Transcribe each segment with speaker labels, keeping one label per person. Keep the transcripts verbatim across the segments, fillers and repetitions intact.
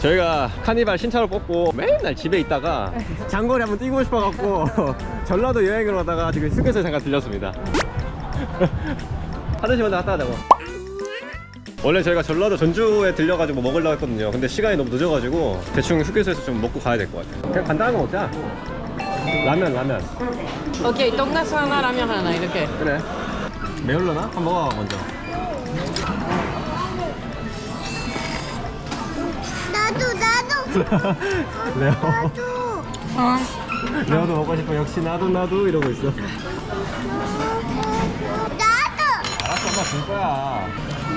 Speaker 1: 저희가 카니발 신차로 뽑고 맨날 집에 있다가 장거리 한번 뛰고 싶어갖고 전라도 여행을 하다가 지금 휴게소에 잠깐 들렸습니다. 화장실 먼저 갔다 가자고. 원래 저희가 전라도 전주에 들려가지고 뭐 먹으려고 했거든요. 근데 시간이 너무 늦어가지고 대충 휴게소에서 좀 먹고 가야 될 것 같아요. 그냥 간단한 거 먹자. 라면 라면.
Speaker 2: 오케이, 돈가스 하나, 라면 하나 이렇게.
Speaker 1: 그래. 매울려나? 한번 먹어봐 먼저.
Speaker 3: 나도 나도
Speaker 1: 레오.
Speaker 3: 나도
Speaker 2: 어.
Speaker 1: 레오도 먹고 싶어. 역시 나도 나도 이러고 있어.
Speaker 3: 나도
Speaker 1: 알았어, 엄마 줄 거야.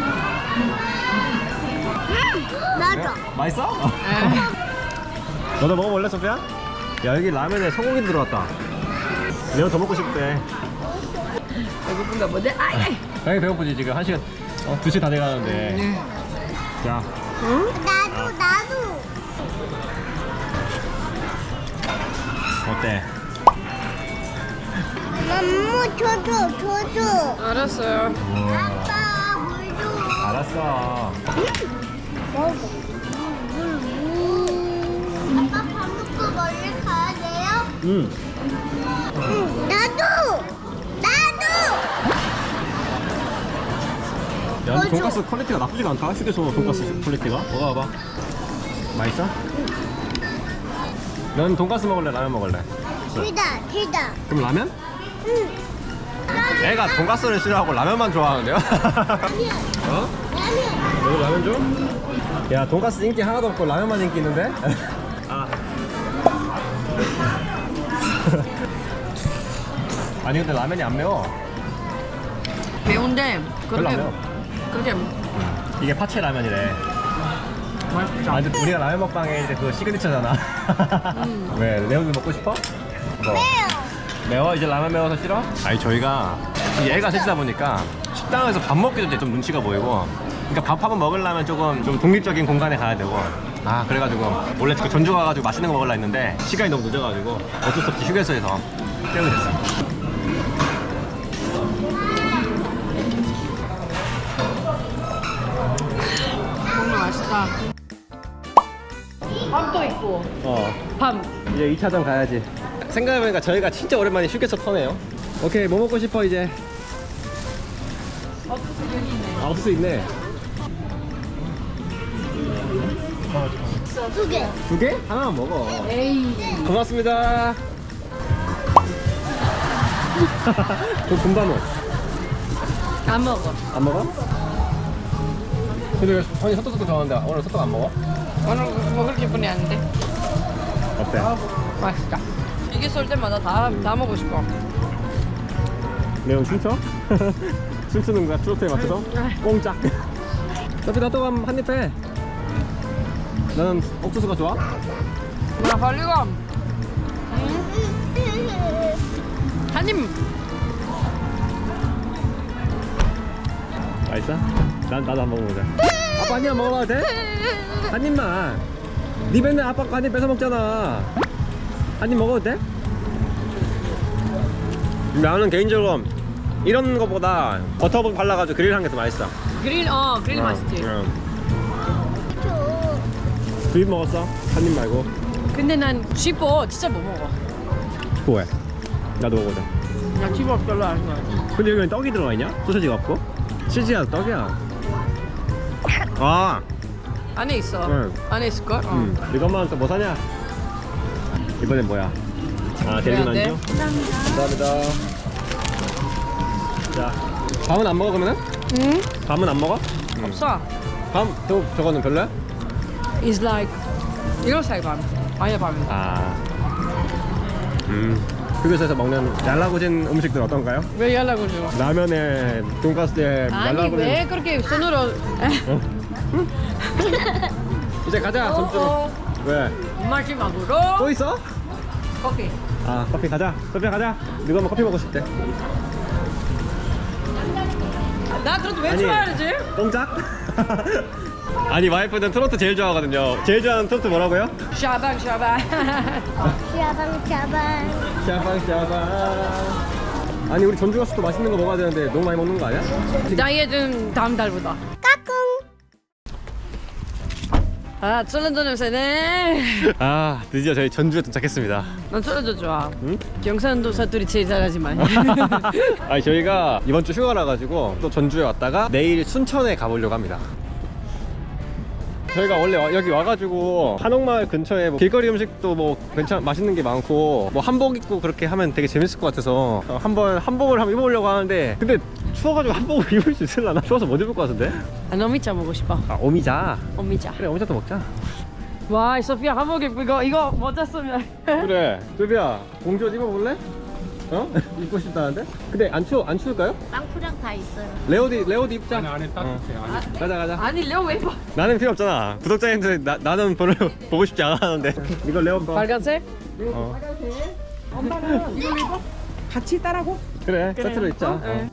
Speaker 3: 나도
Speaker 1: 맛있어? 너도 먹어볼래, 소피야? 야, 여기 라면에 소고기 들어갔다. 레오 더 먹고 싶대.
Speaker 2: 배고픈가 보네. 아이.
Speaker 1: 당연히 배고프지. 지금 한 시간, 어, 두 시 다 돼가는데. 자,
Speaker 3: 나도 나도
Speaker 1: 어때?
Speaker 3: 맘무 줘줘 줘줘
Speaker 2: 알았어요.
Speaker 1: 우와.
Speaker 3: 아빠 물줘
Speaker 1: 알았어.
Speaker 3: 먹어 아빠 밥 먹고 멀리 가야 돼요?
Speaker 1: 응.
Speaker 3: 응 나도 나도
Speaker 1: 야, 근데
Speaker 3: 맞아.
Speaker 1: 돈가스 퀄리티가 나쁘지가 않다. 휴게소 돈가스 퀄리티가. 먹어봐. 맛있어? 넌 돈가스 먹을래? 라면 먹을래?
Speaker 3: 둘다 둘다
Speaker 1: 그럼 라면?
Speaker 3: 응
Speaker 1: 애가 돈가스를 싫어하고 라면만 좋아하는데요?
Speaker 3: 라면
Speaker 1: 어?
Speaker 3: 라면
Speaker 1: 너도 라면 줘? 야, 돈가스 인기 하나도 없고 라면만 인기 있는데? 아. 아니 근데 라면이 안 매워.
Speaker 2: 매운데
Speaker 1: 별로 안
Speaker 2: 그렇게
Speaker 1: 매워.
Speaker 2: 그렇게
Speaker 1: 이게 파채 라면이래.
Speaker 2: 맛있다.
Speaker 1: 아, 근데 우리가 라면 먹방에 이제 그 시그니처잖아.
Speaker 2: 음.
Speaker 1: 왜? 레오도 먹고 싶어? 뭐?
Speaker 3: 매워
Speaker 1: 매워? 이제 라면 매워서 싫어? 아니 저희가 이 애가 셋이다 보니까 식당에서 밥 먹기도 이제 좀 눈치가 보이고, 그러니까 밥 한번 먹으려면 조금 좀 독립적인 공간에 가야 되고, 아 그래가지고 원래 그 전주 가가지고 맛있는 거 먹으려 했는데 시간이 너무 늦어가지고 어쩔 수 없이 휴게소에서 때우게 됐어.
Speaker 2: 정말 맛있다. 밥도 있고.
Speaker 1: 어,
Speaker 2: 밤.
Speaker 1: 이제 이 차전 가야지. 생각해보니까 저희가 진짜 오랜만에 휴게소 터네요. 오케이, 뭐 먹고 싶어 이제?
Speaker 2: 옥수수 여기 있네.
Speaker 1: 아, 옥수수 있네.
Speaker 3: 두개
Speaker 1: 두 개? 하나만 먹어.
Speaker 2: 에이.
Speaker 1: 고맙습니다. 저 금반호
Speaker 2: 안 먹어.
Speaker 1: 안 먹어? 근데 왜 언니 소떡소떡 좋아하는데 오늘 소떡 안 먹어?
Speaker 2: 오늘 먹을 기분이 안 돼.
Speaker 1: 어때?
Speaker 2: 맛있다. 이게 쏠 때마다 다, 다 먹고 싶어.
Speaker 1: 매운 춤춰? 춤추는 거야? 트로트에 맞춰서? 꽁짝. 어차피 나도 한입 해. 나는 옥수수가 좋아?
Speaker 2: 나 할리감. 한 입.
Speaker 1: 맛있어? 난 나도 한 번 먹어보자. 아빠 한 입만 먹어봐도 돼? 한 입만. 니 맨날 아빠 거 한 입 뺏어 먹잖아. 한 입 먹어도 돼? 나는 개인적으로 이런 거보다 버터 발라가지고 그릴한 게 더 맛있어.
Speaker 2: 그릴 어 그릴
Speaker 1: 어,
Speaker 2: 맛있지.
Speaker 1: 응.
Speaker 3: 줘
Speaker 1: 두 입 먹었어? 한 입 말고.
Speaker 2: 근데 난 쥐뽀 진짜 못 먹어.
Speaker 1: 왜? 나도 먹어보자.
Speaker 2: 나 쥐뽀 별로 안 좋아해.
Speaker 1: 근데 여기 떡이 들어가 있냐? 소시지가 없고? 치즈야 떡이야. 아,
Speaker 2: 안에 있어.
Speaker 1: 응.
Speaker 2: 안에 있을 걸. 어.
Speaker 1: 음. 이것만 또 뭐 사냐? 이번엔 뭐야? 아,
Speaker 2: 그래야
Speaker 1: 델리
Speaker 2: 돼?
Speaker 1: 만두? 감사합니다. 자, 밤은 안 먹어 그러면은?
Speaker 2: 응?
Speaker 1: 밤은 안 먹어? 응.
Speaker 2: 없어.
Speaker 1: 밤? 저, 저거는 별로야?
Speaker 2: It's like 이거 살밤. 아니야 밤.
Speaker 1: 아, 음. 휴게소에서 먹는 얄라구진 음식들 어떤가요?
Speaker 2: 왜 연락을 줘?
Speaker 1: 라면에 돈가스에
Speaker 2: 아니
Speaker 1: 얄라구진.
Speaker 2: 왜 그렇게 손으로?
Speaker 1: 어? 이제 가자. 점주로.
Speaker 2: 어,
Speaker 1: 왜?
Speaker 2: 어. 마지막으로
Speaker 1: 또 있어?
Speaker 2: 커피.
Speaker 1: 아, 커피 가자. 소피야 가자. 누가 뭐 커피 먹고 싶대?
Speaker 2: 나 그래도 왜
Speaker 1: 아니.
Speaker 2: 좋아하지?
Speaker 1: 꽁짝? 아니 와이프는 트로트 제일 좋아하거든요. 제일 좋아하는 트로트 뭐라고요?
Speaker 2: 샤방 샤방.
Speaker 3: 샤방 샤방
Speaker 1: 샤방 샤방. 아니 우리 전주 가서 또 맛있는 거 먹어야 되는데 너무 많이 먹는 거 아니야?
Speaker 2: 다이어트는 다음 달보다.
Speaker 3: 까꿍
Speaker 2: 아, 쫄렌도 냄새네.
Speaker 1: 아 드디어 저희 전주에 도착했습니다.
Speaker 2: 난 쫄렌도 좋아.
Speaker 1: 응?
Speaker 2: 경상도 사투리 제일 잘하지만.
Speaker 1: 아니 저희가 이번 주 휴가라 가지고 또 전주에 왔다가 내일 순천에 가보려고 합니다. 저희가 원래 와- 여기 와가지고 한옥마을 근처에 뭐 길거리 음식도 뭐 괜찮 맛있는 게 많고 뭐 한복 입고 그렇게 하면 되게 재밌을 것 같아서 어, 한번 한복을 한번 입어보려고 하는데 근데 추워가지고 한복을 입을 수 있을라나? 추워서 못 입을 것 같은데?
Speaker 2: 아, 오미자 먹고 싶어.
Speaker 1: 아 오미자.
Speaker 2: 오미자.
Speaker 1: 그래 오미자도 먹자.
Speaker 2: 와, 이 소피아 한복 입고 이거 이거 모자 쓰면.
Speaker 1: 그래 소비야 공주 옷 입어볼래? 어? 입고 싶다는데? 근데 안 추워 안 추울까요?
Speaker 3: 빵프랑 다 있어요.
Speaker 1: 레오디 레오디 입자.
Speaker 4: 안에 안에 따뜻해. 안에.
Speaker 1: 가자 가자.
Speaker 2: 아니, 레오 왜 입어?
Speaker 1: 나는 필요 없잖아. 구독자님들 나, 나는 별로 보고 싶지 않아 하는데 이거 레오 거.
Speaker 2: 빨간색?
Speaker 1: 어.
Speaker 2: 엄마는 이걸로 입어? 같이 따라고?
Speaker 1: 그래 세트로 입자. 어.
Speaker 2: 네.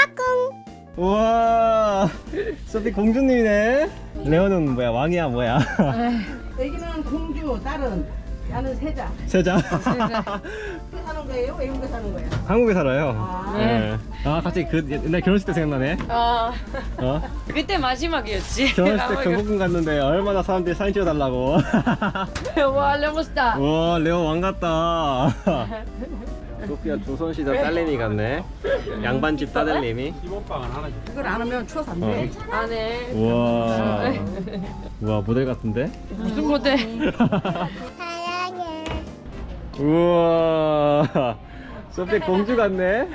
Speaker 1: 우와 소피 공주님이네. 레오는 뭐야 왕이야 뭐야?
Speaker 5: 애기는 공주, 딸은 나는 세자.
Speaker 1: 세자.
Speaker 5: 어떻게 사는 거예요? 외국에 사는 거예요?
Speaker 1: 한국에 살아요.
Speaker 5: 아.
Speaker 1: 네. 아 갑자기 그 옛날 결혼식 때 생각나네.
Speaker 2: 어.
Speaker 1: 어?
Speaker 2: 그때 마지막이었지.
Speaker 1: 결혼식 때 경복궁 갔는데 얼마나 사람들이 사진 찍어달라고.
Speaker 2: 와, 레모스타.
Speaker 1: 우와 레오 왕 같다. 소피아 조선시대 딸내미 같네. 양반집 딸내미.
Speaker 4: 기본빵은 하나 줘.
Speaker 5: 그걸 안 하면 추워서 안 돼.
Speaker 1: 어.
Speaker 2: 안에
Speaker 1: 우와 우와 모델 같은데?
Speaker 2: 무슨 모델?
Speaker 3: 사랑해.
Speaker 1: 우와 소피 공주 같네.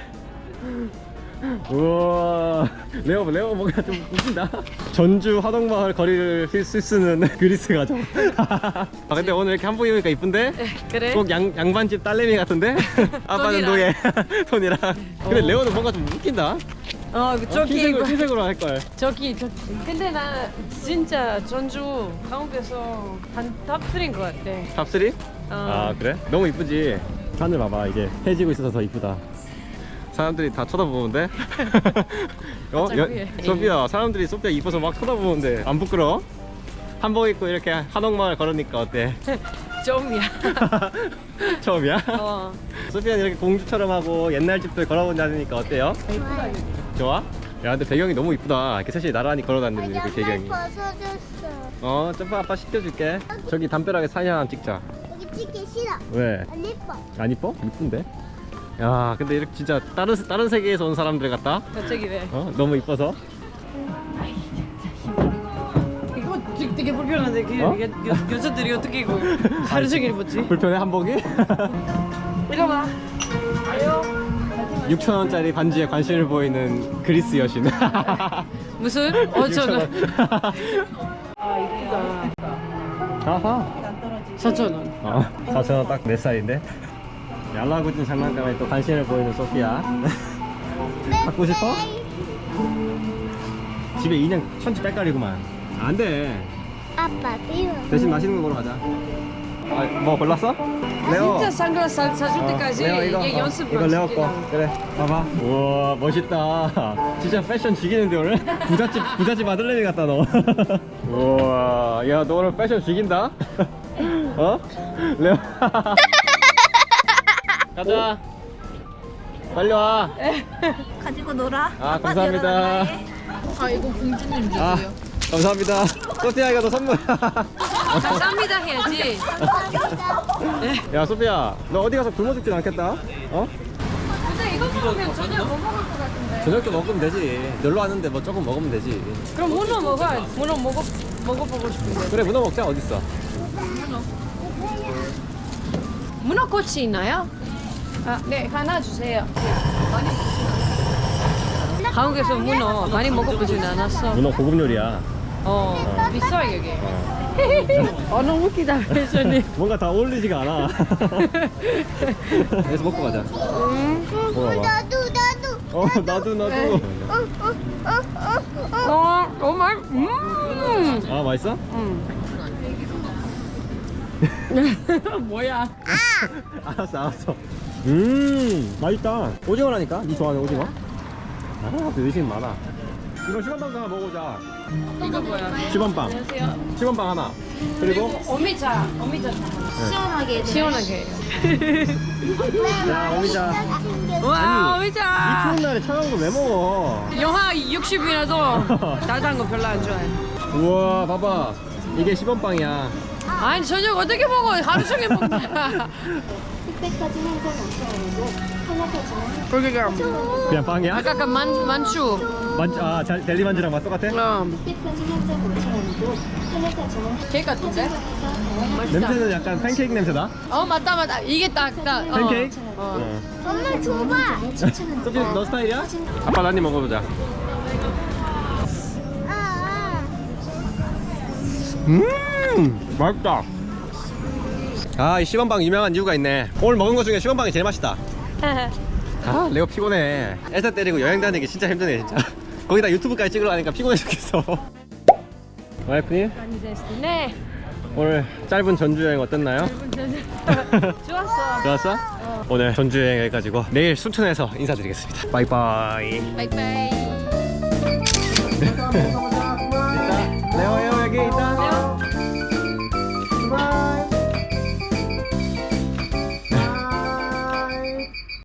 Speaker 1: 우와 레오 레오 뭔가 좀 웃긴다. 전주 하동마을 거리를 쓸 수 있는 그리스 가정. 아 근데 오늘 이렇게 한복 입으니까 이쁜데?
Speaker 2: 그래?
Speaker 1: 꼭 양, 양반집 딸내미 같은데? 아빠는
Speaker 2: 톤이랑.
Speaker 1: 노예 톤이랑. 근데 레오는 뭔가 좀 웃긴다.
Speaker 2: 어,
Speaker 1: 어,
Speaker 2: 저기
Speaker 1: 흰색으로,
Speaker 2: 이거.
Speaker 1: 흰색으로 할걸.
Speaker 2: 저기 저기. 근데 나 진짜 전주 한국에서 한 탑삼인 것 같아.
Speaker 1: 탑쓰리?
Speaker 2: 어.
Speaker 1: 아 그래? 너무 이쁘지? 하늘 봐봐 이게 해지고 있어서 더 이쁘다. 사람들이 다 쳐다보는데? 어?
Speaker 2: 살짝
Speaker 1: 여,
Speaker 2: 위에.
Speaker 1: 소피야 사람들이 소피야 이뻐서 막 쳐다보는데 안 부끄러워? 한복 입고 이렇게 한옥마을 걸으니까 어때?
Speaker 2: 좀이야.
Speaker 1: 처음이야?
Speaker 2: 어.
Speaker 1: 소피아는 이렇게 공주처럼 하고 옛날 집들 걸어본다니까 어때요? 좋아? 야 근데 배경이 너무 이쁘다. 이렇게 셋이 나란히 걸어다니는 그 배경이.
Speaker 3: 벗어줬어.
Speaker 1: 어 점프 아빠 시켜줄게. 저기 담벼락에 사진 하나 찍자.
Speaker 3: 여기 찍기 싫어.
Speaker 1: 왜?
Speaker 3: 안 예뻐.
Speaker 1: 안 이뻐? 이쁜데? 야 근데 이렇게 진짜 다른 다른 세계에서 온 사람들 같다.
Speaker 2: 갑자기 왜?
Speaker 1: 어? 너무 이뻐서.
Speaker 2: 이거 되게, 되게 불편한데 그
Speaker 1: 어?
Speaker 2: 여, 여, 여자들이 어떻게 이거 하루 종일 입었지?
Speaker 1: 불편해 한복이?
Speaker 2: 이거 봐.
Speaker 1: 육천 원짜리 반지에 관심을 보이는 그리스 여신.
Speaker 2: 무슨? 오천 원. 아, 이쁘다.
Speaker 1: 아하.
Speaker 2: 사천 원.
Speaker 1: 어, 사천 원 딱 내 살인데. 얄라구진 장난감에 또 관심을 보이는 소피아. 갖고 싶어? 집에 인형 천지 빽깔이구만. 안 돼.
Speaker 3: 아빠 비워.
Speaker 1: 대신 맛있는 거 보러 가자. 아, 뭐 골랐어? 레오.
Speaker 2: 진짜 선글라스 사- 사줄
Speaker 1: 어,
Speaker 2: 때까지
Speaker 1: 레오 이거,
Speaker 2: 이게
Speaker 1: 어,
Speaker 2: 연습
Speaker 1: 이거 레오
Speaker 2: 방식이야.
Speaker 1: 거. 그래, 봐봐. 우와, 멋있다. 진짜 패션 죽이는데 오늘? 부잣집 부잣집 아들내미 같다 너. 우와, 야 너 오늘 패션 죽인다. 어? 레오. 가자. 빨리 와.
Speaker 3: 가지고 놀아.
Speaker 1: 아 감사합니다.
Speaker 2: 아, 이거 공주님 주세요.
Speaker 1: 아 감사합니다. 소피아 이거 너 선물.
Speaker 2: 감사합니다 해야지.
Speaker 1: 야 소피아 너 어디 가서 굶어 죽진 않겠다. 어?
Speaker 2: 근데 이거 먹으면 전혀 못 먹을 것 같은데.
Speaker 1: 저녁도 먹으면 되지. 놀러 왔는데 뭐 조금 먹으면 되지.
Speaker 2: 그럼 문어 먹어야지. 문어 먹어 먹어보고 싶은데.
Speaker 1: 그래 문어 먹자. 어딨어?
Speaker 2: 문어 꼬치 있나요? 아, 네 하나 주세요. 한국에서 문어 많이 먹어보진 않았어.
Speaker 1: 문어 고급 요리야.
Speaker 2: 어, 비싸 여기. 어, 너무 웃기다 패션이.
Speaker 1: 뭔가 다 어울리지가 않아. 그래서 먹고 가자. 먹어봐.
Speaker 3: 나도 나도.
Speaker 1: 어 나도 나도.
Speaker 2: 어, 정말. 음.
Speaker 1: 아 맛있어?
Speaker 2: 음. 뭐야?
Speaker 1: 알았어 알았어. 음 맛있다. 오징어라니까. 니 좋아하는 오징어? 아 의심 많아. 이거 시원빵 하나 먹어보자.
Speaker 2: 이거 뭐야?
Speaker 1: 시원빵.
Speaker 2: 안녕하세요.
Speaker 1: 시원빵 하나. 그리고
Speaker 2: 오미자, 오미자
Speaker 3: 시원하게.
Speaker 2: 시원하게.
Speaker 1: 야 오미자.
Speaker 2: 와,
Speaker 1: 아니, 이
Speaker 2: 오미자.
Speaker 1: 추운 날에 차가운 거 왜 먹어?
Speaker 2: 영하 육십이라도 따뜻한 거 별로 안 좋아해.
Speaker 1: 우와 봐봐 이게 십 원 빵이야.
Speaker 2: 아니 저녁 어떻게 먹어? 하루 종일 먹냐?
Speaker 3: 흑백사진 한 장 오천 원이고 하나 사진은
Speaker 2: 그러니까
Speaker 1: 그냥 빵이야?
Speaker 2: 아까 그 만, 만추
Speaker 1: 만, 아, 자, 델리 만주랑 맛 똑같아?
Speaker 2: 어.
Speaker 3: 흑백사진 한 장 오천 원이고 하나 사진은
Speaker 2: 케이크 같은데? 맛있다.
Speaker 1: 냄새는 약간 팬케이크 냄새다?
Speaker 2: 어 맞다 맞다 이게 딱딱 어.
Speaker 1: 팬케이크?
Speaker 2: 어.
Speaker 3: 엄마 줘봐.
Speaker 1: 소피 너 스타일이야? 아빠 한 입 먹어보자. 음 맛있다. 아, 이 시범빵 유명한 이유가 있네. 오늘 먹은 것 중에 시범빵이 제일 맛있다. 아, 레오 피곤해. 애사 때리고 여행 다니기 진짜 힘드네 진짜. 거기다 유튜브까지 찍으러 가니까 피곤해 죽겠어. 와이프님
Speaker 2: 네.
Speaker 1: 오늘 짧은 전주 여행 어땠나요?
Speaker 2: 좋았어.
Speaker 1: 좋았어? 오늘 전주 여행 해가지고 내일 순천에서 인사드리겠습니다. 바이바이.
Speaker 2: 바이바이.
Speaker 1: 있다. 레오 형 여기 있다.